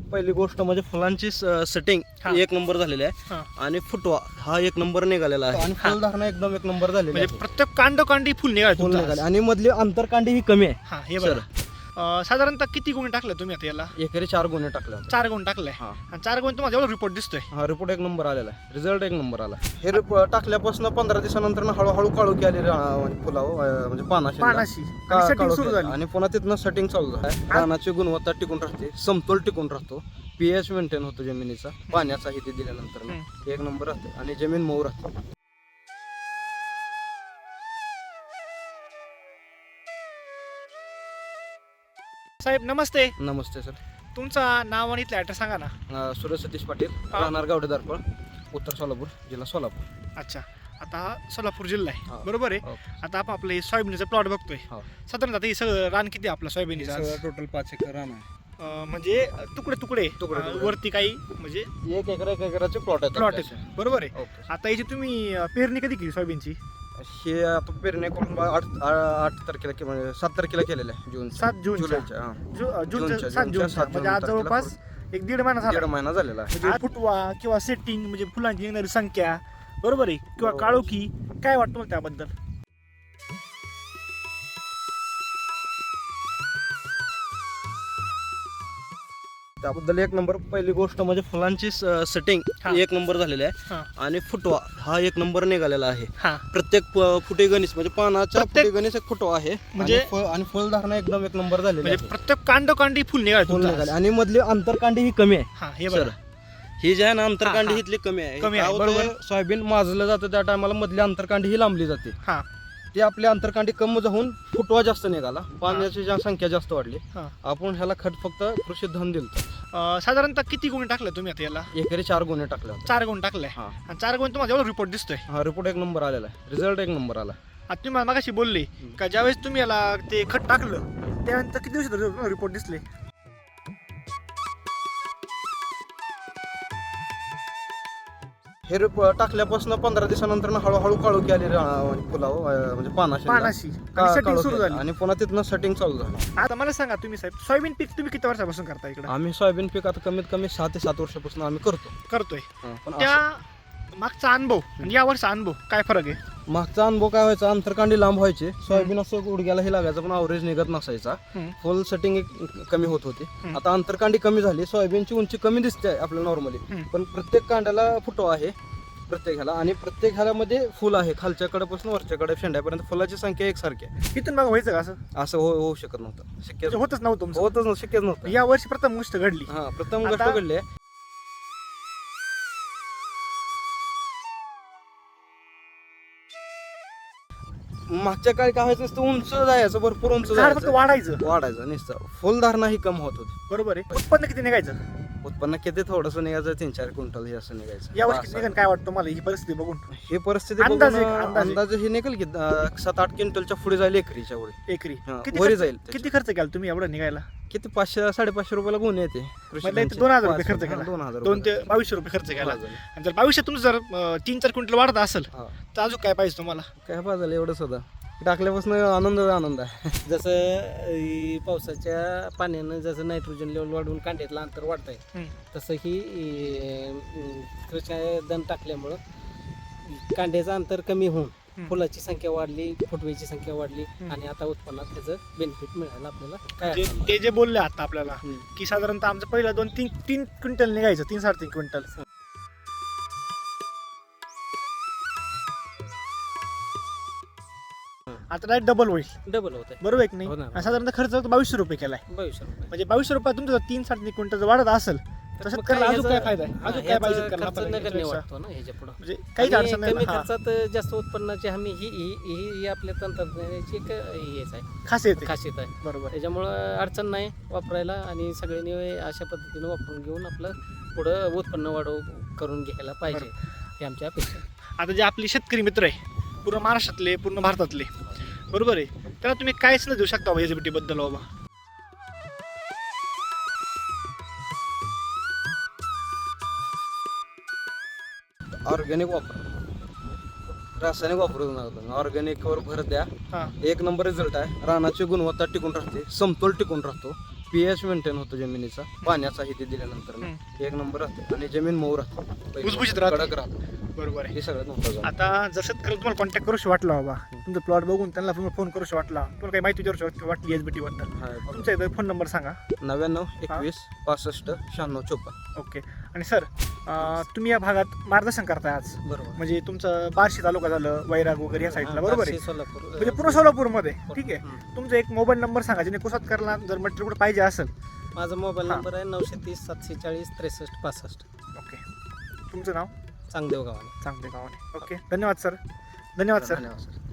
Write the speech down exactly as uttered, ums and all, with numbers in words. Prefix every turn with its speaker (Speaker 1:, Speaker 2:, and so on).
Speaker 1: पहिली गोष्ट म्हणजे फुलांची सेटिंग
Speaker 2: हा.
Speaker 1: एक नंबर झालेली आहे
Speaker 2: हा.
Speaker 1: आणि फुटवा हा एक नंबर निघालेला आहे आणि फुलधारणा एकदम एक नंबर झालेली
Speaker 2: म्हणजे
Speaker 1: आहे.
Speaker 2: प्रत्येक कांड कांडी फुल निघाल
Speaker 1: फुल निघाले आणि मधली अंतरकांडी ही कमी आहे.
Speaker 2: हा हे बरं अं, साधारणतः किती गुण टाकले तुम्ही आता याला?
Speaker 1: एकरी चार गुन्हे टाकले होते.
Speaker 2: चार गुण टाकले
Speaker 1: हा.
Speaker 2: आणि चार गुण तुम्हाला जेवढा रिपोर्ट दिसतोय
Speaker 1: हा रिपोर्ट एक नंबर आलेला आहे, रिझल्ट एक नंबर आला. हे रिपोर्ट टाकल्यापासून पंधरा दिवसानंतर हळूहळू काळोखी आली फुलावर म्हणजे पानाशी
Speaker 2: पानाशी
Speaker 1: का-
Speaker 2: सेटिंग
Speaker 1: काळोखी
Speaker 2: सुरू
Speaker 1: आली.
Speaker 2: झाली.
Speaker 1: आणि पुन्हा तिथनं सेटिंग चालू आहे. पानाची गुणवत्ता टिकून राहते, समतोल टिकून राहतो, पीएच मेंटेन होतो जमिनीचा, पाण्याचा हे दिल्यानंतर
Speaker 2: हम्म.
Speaker 1: एक नंबर राहते आणि जमीन मऊ राहते.
Speaker 2: साहेब नमस्ते,
Speaker 1: नमस्ते सर.
Speaker 2: तुमचा नाव आणि इथला ऍड्रेस सांगा ना.
Speaker 1: अं, सुरेश सतीश पाटील,
Speaker 2: हा.
Speaker 1: राहणार गावडे दारपळ, उत्तर सोलापूर, जिल्हा सोलापूर.
Speaker 2: अच्छा, आता हा सोलापूर जिल्हा
Speaker 1: हा.
Speaker 2: आहे बरोबर आहे.
Speaker 1: हो.
Speaker 2: आता आपण आपले सोयाबीनचं प्लॉट बघतोय.
Speaker 1: हो.
Speaker 2: साधारणतः आता हे सगळं रान किती आहे आपलं सोयाबीनचं आज?
Speaker 1: टोटल पाच एकर रान आहे.
Speaker 2: अं, म्हणजे तुकडे तुकडे
Speaker 1: तुकडे-
Speaker 2: अं,
Speaker 1: तुकडे.
Speaker 2: वरती काही म्हणजे
Speaker 1: एक एकर एक एकराचे प्लॉट आहेत
Speaker 2: प्लॉट
Speaker 1: आपल्याचे.
Speaker 2: आहे बरोबर आहे.
Speaker 1: ओके.
Speaker 2: आता याची तुम्ही अं, पेरणी कधी केली सोयाबीनची?
Speaker 1: हे आता पेरणी करून बा- आठ आ- आठ तारखेला के- म्हणजे सात तारखेला केलेलं आहे जून
Speaker 2: सात जूनच्या.
Speaker 1: जुलैच्या हा.
Speaker 2: जू- अं, जूनच्या
Speaker 1: जूनच्या-
Speaker 2: सात
Speaker 1: जूनच्या
Speaker 2: जूनच्या
Speaker 1: सात
Speaker 2: म्हणजे आज
Speaker 1: जून
Speaker 2: जवळपास एक दीड महिना
Speaker 1: दीड
Speaker 2: झाला.
Speaker 1: महिना झालेला आहे.
Speaker 2: म्हणजे फुटवा किंवा सेटिंग म्हणजे फुलांची येणारी संख्या बरोबर आहे किंवा
Speaker 1: बरोबर.
Speaker 2: काळोखी काय वाटतं मला त्याबद्दल?
Speaker 1: त्याबद्दल एक नंबर पहिली गोष्ट म्हणजे फुलांची सेटिंग
Speaker 2: हा.
Speaker 1: एक नंबर झालेली आहे
Speaker 2: हा.
Speaker 1: आणि फुटवा हा एक नंबर निघालेला आहे.
Speaker 2: हा
Speaker 1: प्रत्येक प- फुटे गणित म्हणजे पानाच्या
Speaker 2: प्रत्येक-
Speaker 1: फुटे गणित एक फुटवा आहे
Speaker 2: म्हणजे-
Speaker 1: आणि फळ- आणि फुलधारणा एकदम एक नंबर झालेली
Speaker 2: म्हणजे
Speaker 1: आहे.
Speaker 2: प्रत्येक कांड कांडी फुल निघाल
Speaker 1: फुल निघाले आणि मधली अंतरकांडी ही कमी आहे.
Speaker 2: हा हे
Speaker 1: सर
Speaker 2: बरं
Speaker 1: ही जी आहे ना अंतरकांडी
Speaker 2: हा, हा.
Speaker 1: हितली कमी आहे.
Speaker 2: कमी आहे,
Speaker 1: काय होतंय,
Speaker 2: बरोबर.
Speaker 1: सोयाबीन माजलं जातं त्या टायमाला मधली अंतरकांडी ही लांबली जाते.
Speaker 2: हा
Speaker 1: ती आपली अंतरकांडी कमी जाऊन फुटवा जास्त निघाला, पाण्याची जा- संख्या जास्त वाढली.
Speaker 2: हा
Speaker 1: आपण ह्याला खत फक्त कृषी धन दिलं,
Speaker 2: अं, साधारणतः किती गुण टाकले तुम्ही आता याला?
Speaker 1: एकरी चार गुन्हे टाकले होते.
Speaker 2: चार गुण टाकले
Speaker 1: हा.
Speaker 2: आणि चार गुण तुम्हाला जेवढा रिपोर्ट दिसतोय.
Speaker 1: हा रिपोर्ट एक नंबर आलेला आहे, रिझल्ट एक नंबर आला.
Speaker 2: आता तुम्ही मला मागाशी बोलले का ज्यावेळेस तुम्ही याला ते खत टाकलं त्यानंतर किती दिवसात रिपोर्ट दिसले?
Speaker 1: हे रिपोर्ट टाकल्यापासून पंधरा दिवसानंतर हळूहळू काळोखी आली फुलावर म्हणजे पानाशी
Speaker 2: पानाशी
Speaker 1: का-
Speaker 2: सेटिंग
Speaker 1: काळोखी
Speaker 2: सुरू
Speaker 1: आली.
Speaker 2: झाली.
Speaker 1: आणि पुन्हा तिथनं सेटिंग चालू झालं.
Speaker 2: आता मला सांगा तुम्ही साहेब, सोयाबीन पीक तुम्ही किती वर्षापासून करता इकडे?
Speaker 1: आम्ही सोयाबीन पीक आता कमीत कमी सहा ते सात वर्षापासून आम्ही करतो.
Speaker 2: करतोय.
Speaker 1: हा, पण
Speaker 2: त्या
Speaker 1: असं-
Speaker 2: मागचा अनुभव आणि या वर्षा अनुभव काय फरक आहे?
Speaker 1: मागचा अनुभव काय व्हायचा, अंतरकांडी लांब व्हायचे, सोयाबीन असं गुडघ्यालाही लागायचं पण अवरेज निघत नसायचा,
Speaker 2: हम्म.
Speaker 1: फुल सेटिंग कमी होत होती.
Speaker 2: हम्म.
Speaker 1: आता अंतरकांडी कमी झाली, सोयाबीनची उंची कमी दिसते आपल्याला नॉर्मली,
Speaker 2: हम्म.
Speaker 1: पण प्रत्येक कांड्याला फुटवा आहे प्रत्येक ह्याला आणि प्रत्येक ह्याला फुल आहे, खालच्या कडेपासून वरच्या कडे शेंड्यापर्यंत फुलाची संख्या एकसारखी आहे.
Speaker 2: तिथून मग व्हायचं का असं?
Speaker 1: असं हो होऊ शकत नव्हतं, शक्य
Speaker 2: म्हणजे होतच नव्हतं तुमचं.
Speaker 1: होतच नव्हतं, शक्यच नव्हतं.
Speaker 2: या वर्षी प्रथम गोष्ट घडली.
Speaker 1: हा प्रथम गोष्ट
Speaker 2: आता-
Speaker 1: घडली आहे. मागच्या काळी काय व्हायचं नसतं, उंच जायचं, भरपूर उंच
Speaker 2: झाड फक्त
Speaker 1: जायचं,
Speaker 2: वाढायचं
Speaker 1: वाढायचं नुसतं, फुलधारणा ही कम होत होती.
Speaker 2: बरोबर आहे. उत्पन्न किती निघायचं?
Speaker 1: उत्पन्न किती थोडंसं निघायचं, तीन चार क्विंटल हे असं निघायचं.
Speaker 2: या वर्षी किती
Speaker 1: असं.
Speaker 2: निघाल काय वाटतं मला ही परिस्थिती बघून?
Speaker 1: ही परिस्थिती
Speaker 2: अंदाजे-
Speaker 1: बघून,
Speaker 2: अंदाजे.
Speaker 1: अंदाजे हे निघेल की अं, सात आठ क्विंटलच्या पुढे जाईल एकरीच्या पुढे.
Speaker 2: एकरी
Speaker 1: हा,
Speaker 2: किती
Speaker 1: वरी
Speaker 2: खर्च-
Speaker 1: जाईल
Speaker 2: किती खर्च केला तुम्ही एवढं निघायला?
Speaker 1: किती पाचशे साडेपाचशे रुपयाला गुन्हे येते कृषी
Speaker 2: म्हणजे
Speaker 1: धनचे.
Speaker 2: दोन हजार रुपये
Speaker 1: पाच-
Speaker 2: खर्च केला.
Speaker 1: हा, दोन हजार
Speaker 2: दोन ते
Speaker 1: रुपये.
Speaker 2: बावीसशे रुपये खर्च केला.
Speaker 1: हा, झाले.
Speaker 2: आणि जर बावीसशे तुमचं जर अं, तीन चार क्विंटल वाढत असेल
Speaker 1: हा.
Speaker 2: तर अजून काय पाहिजे तुम्हाला?
Speaker 1: काय पाहिजे एवढं सुद्धा टाकल्यापासून आनंद आनंद आहे.
Speaker 3: जसं अ, पावसाच्या पाण्यानं जसं नायट्रोजन लेवल वाढवून कांड्यातलं अंतर वाढत आहे,
Speaker 2: हम्म.
Speaker 3: तसं ही कृषी धन टाकल्यामुळं कांड्याचं अंतर कमी होऊन
Speaker 2: हम्म.
Speaker 3: फुलाची संख्या वाढली, फुटवेची संख्या वाढली
Speaker 2: हम्म.
Speaker 3: आणि आता उत्पन्नात त्याचं बेनिफिट मिळालं आपल्याला. काय
Speaker 2: जे-
Speaker 3: अडचण
Speaker 2: ते जे बोलले आता आपल्याला
Speaker 3: नाही.
Speaker 2: की साधारणतः आमचं पहिलं दोन तीन तीन क्विंटल निघायचं, तीन साडेतीन क्विंटल. आता डायरेक्ट डबल होईल,
Speaker 3: डबल होत आहे.
Speaker 2: बरोबर आहे की नाही?
Speaker 3: हो ना.
Speaker 2: आणि साधारणतः खर्च बावीसशे रुपये केलाय.
Speaker 3: बावीसशे रुपये.
Speaker 2: म्हणजे बावीसशे रुपये तुमचं जर तीन साडेतीन क्विंटल जर वाढत असेल तर
Speaker 3: मग
Speaker 2: शेतकऱ्याला
Speaker 3: काय
Speaker 2: अजून काय
Speaker 3: ह्याचं-
Speaker 2: फायदा आहे?
Speaker 3: हा,
Speaker 2: अजून काय
Speaker 3: ह्याचं
Speaker 2: पाहिजे शेतकऱ्याला
Speaker 3: खर्च
Speaker 2: आपल्याला
Speaker 3: नगण्य
Speaker 2: याच्यापेक्षा?
Speaker 3: वाटतो ना ह्याच्या पुढं.
Speaker 2: म्हणजे काहीच
Speaker 3: आणि
Speaker 2: अडचण नाही
Speaker 3: कमी
Speaker 2: ना. हा,
Speaker 3: खर्चात जास्त उत्पन्नाची हमी ही ही ही ही आपल्या तंत्रज्ञानाची एक हेच आहे,
Speaker 2: खासियत आहे.
Speaker 3: खासियत आहे.
Speaker 2: बरोबर.
Speaker 3: त्याच्यामुळं अडचण नाही वापरायला आणि सगळ्यांनी अशा पद्धतीने वापरून घेऊन आपलं पुढं उत्पन्न वाढव करून घ्यायला पाहिजे, ही आमची अपेक्षा आहे.
Speaker 2: आता जे आपले शेतकरी मित्र आहे पूर्ण महाराष्ट्रातले, पूर्ण भारतातले, बरोबर आहे, त्याला तुम्ही कायच नाही देऊ शकता बाबा एस बी टी बद्दल बाबा?
Speaker 1: ऑर्गॅनिक वापर, रासायनिक वापरू नका, ऑर्गॅनिक वर भर द्या.
Speaker 2: हा
Speaker 1: एक नंबर रिझल्ट आहे, रानाची गुणवत्ता टिकून राहते, समतोल टिकून राहतो, पीएच मेंटेन होतो जमिनीचा, पाण्याचा हे ते दिल्यानंतर ना एक नंबर राहते आणि जमीन मऊ राहते,
Speaker 2: भुसभुशीत राहते.
Speaker 1: कडक राहते.
Speaker 2: बरोबर आहे.
Speaker 1: हे सगळ्यात महत्वाचं आहे.
Speaker 2: आता जर शेतकरी तुम्हाला कॉन्टॅक्ट करूशी वाटला बाबा, तुमचा प्लॉट बघून त्यांना तुम्ही फोन करूशी वाटला, तुम्हाला काही माहिती विचारू वाटली एस बी टी बद्दल,
Speaker 1: हा, बरोबर.
Speaker 2: तुमचा इथं फोन नंबर सांगा.
Speaker 1: नव्याण्णव एकवीस पासष्ट शहाण्णव चोपन्न.
Speaker 2: ओके. आणि सर तुम्ही या भागात मार्गदर्शन करताय आज,
Speaker 1: बरोबर.
Speaker 2: म्हणजे तुमचं बार्शी तालुका झालं, वैराग वगैरे या साईडला, बरोबर आहे,
Speaker 3: बार्शी, सोलापूर
Speaker 2: म्हणजे पूर्ण सोलापूरमध्ये. ठीक आहे.
Speaker 1: हम्म.
Speaker 2: तुमचा एक मोबाईल नंबर सांगा, जेणे कुसातकरला जर मटेरियल कुठे पाहिजे असेल.
Speaker 3: माझा मोबाईल
Speaker 2: हा.
Speaker 3: नंबर आहे नऊशे तीस सातशे चाळीस त्रेसष्ट पासष्ट.
Speaker 2: ओके. तुमचं नाव?
Speaker 3: चांगदेव गावाने.
Speaker 2: चांगले गावाने. ओके. धन्यवाद सर. धन्यवाद सर.
Speaker 1: धन्यवाद सर.